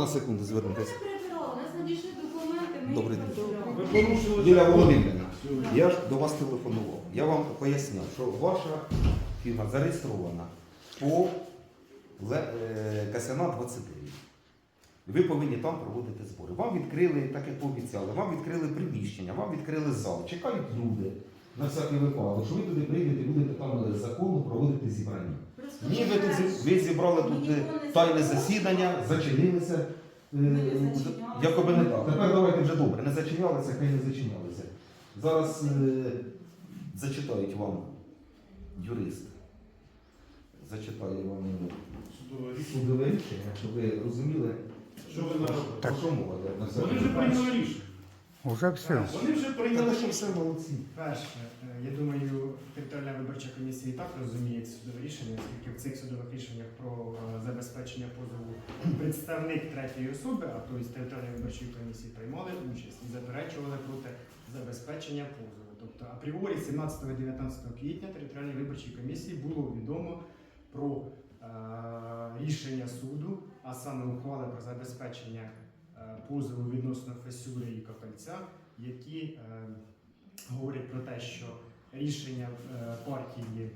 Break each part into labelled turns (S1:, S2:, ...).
S1: секунду звернутися.
S2: У нас надійшли документи, ми
S1: Добрий
S2: їх
S1: день.
S2: розглянули.
S3: Ви порушили
S1: Юлія
S3: закон.
S1: Володимирівна, я ж до вас телефонував. Я вам поясняв, що ваша фірма зареєстрована по КСНА 29. Ви повинні там проводити збори. Вам відкрили, так як пообіцяли, вам відкрили приміщення, вам відкрили зал. Чекають люди на всякий випадок, що ви туди прийдете і будете там з закону проводити зібрання.
S2: Просто
S1: Ні, ви зібрали тут тайне засідання, зачинилися. Якоби не так. Тепер давайте вже добре. Не зачинялися, хай не зачинялися. Зараз зачитають вам юрист. Зачитає вам судове рішення, щоб ви розуміли,
S3: Що ви наробили?
S1: про що мова.
S3: Вони вже прийняли рішення.
S4: Уже все.
S3: Вони вже прийняли
S1: Та що
S3: рішення.
S1: все молодці.
S5: Перше, я думаю, територіальна виборча комісія і так розуміє ці судові рішення, оскільки в цих судових рішеннях про забезпечення позову представник третьої особи, а тобто з територіальної виборчої комісії приймали участь і заперечували проти забезпечення позову. Тобто апріорі 17-19 квітня територіальній виборчій комісії було відомо про рішення суду, а саме ухвали про забезпечення позову відносно Фесюри і Копельця, які говорять про те, що рішення партії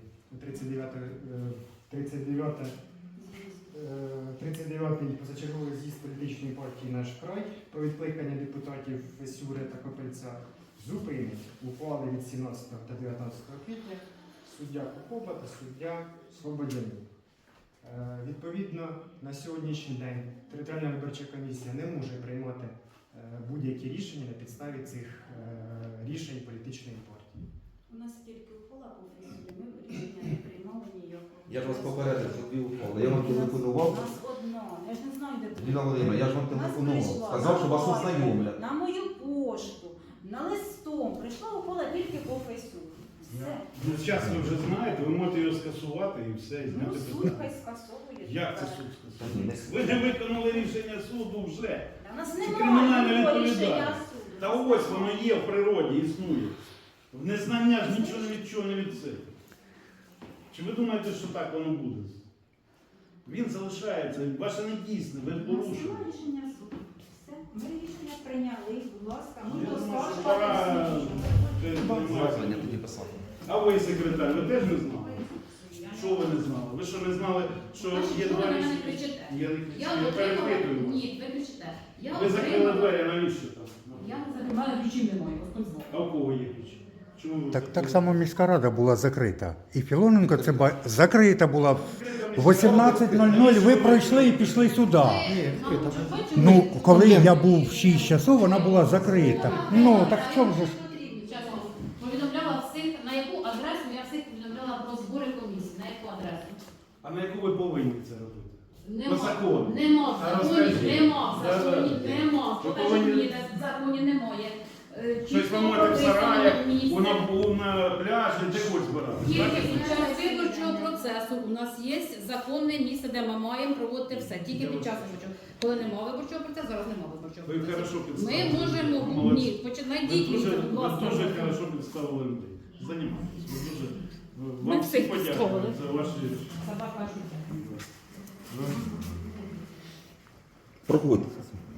S5: 39-й позачерговий з'їзд політичної партії «Наш край» про відкликання депутатів Фесюри та Копельця зупинить ухвали від 17 та 19 квітня суддя Кокоба та суддя Слободянюк. Відповідно, на сьогоднішній день територіальна виборча комісія не може приймати будь-які рішення на підставі цих рішень політичної партії.
S2: У нас тільки ухвала по Фесюрі, ми рішення не приймали ніякого.
S1: Я ж вас попередив, що дві ухвали. Я вам телефонував.
S2: У нас одно, я ж не знаю, де
S1: Юлія Володимирівна, я ж вам
S2: У нас
S1: телефонував.
S2: прийшла
S1: Сказав, що вас
S2: ухвала
S1: ознайомлять.
S2: на мою пошту, на листом. Прийшла ухвала тільки по Фесюрі. Все.
S3: Ну, зараз ви вже знаєте, ви можете його скасувати і все, і
S2: Ну,
S3: зняти
S2: суд
S3: питання.
S2: хай скасовує.
S3: Як це суд
S1: Та ні, не
S3: скасує? Ви не виконали рішення суду вже.
S2: Та в нас
S3: кримінальна
S2: немає такого рішення
S3: відповідальність.
S2: суду.
S3: Та ось воно є в природі, існує. В незнання ж нічого не від чого не від себе. Чи ви думаєте, що так воно буде? Він залишається, ваше не дійсне, ви
S2: У нас
S3: порушили.
S2: немає рішення суду. Все. Ми рішення прийняли, будь ласка. Ми
S3: Я
S2: до
S3: думаю, що
S2: скаржували
S3: пора
S2: всі.
S1: Звернення тоді писати.
S3: А ви, секретар, ви теж не знали? Що ви не знали? Ви що не знали, що є
S6: Що ви
S3: два
S6: на мене
S3: рішення?
S6: кричите?
S3: Я не
S6: Я
S3: кричу, я
S6: отримала.
S3: перепитую вас.
S6: Ні, ви кричите. Я
S3: Ви закрили
S6: отримала.
S3: двері, а навіщо там?
S6: Я не закрила. У мене ключів немає, Господь знає.
S3: А у кого є ключі? Чому ви
S4: Так само міська рада була закрита. І Філоненко це закрита була. В 18:00 ви пройшли і пішли сюди. Ну, коли я був в 6 часов, вона була закрита. Ну, так в чому же ж?
S6: Чесно, повідомляла всіх, на яку адресу я всіх повідомляла про збори комісії. На яку адресу?
S3: А на яку ви повинні це робити?
S6: Нема.
S3: По закону.
S6: Нема в
S3: А
S6: законі,
S3: розкажіть.
S6: нема в
S3: Да,
S6: законі,
S3: да.
S6: нема.
S3: Ви
S6: Покажіть
S3: повинні-
S6: мені, де в законі немає.
S3: Щось ви можете в сараях, на пляжі, де хоч збирати.
S6: Тільки під час виборчого процесу у нас є законне місце, де ми маємо проводити все. Тільки під час виборчого. Коли немає виборчого процесу, зараз немає виборчого
S3: Ви
S6: процесу.
S3: хорошо
S6: Ми
S3: підставили.
S6: можемо,
S3: Молодці.
S6: ні,
S3: Ви
S6: починайте,
S3: дуже,
S6: будь ласка.
S3: ви дуже хорошо підставили людей. Займайтесь. Ви дуже,
S6: Ми
S3: вам
S6: всіх
S3: всі подякую
S6: підставили.
S3: за ваші...
S6: Собака життя.
S1: Проходьте.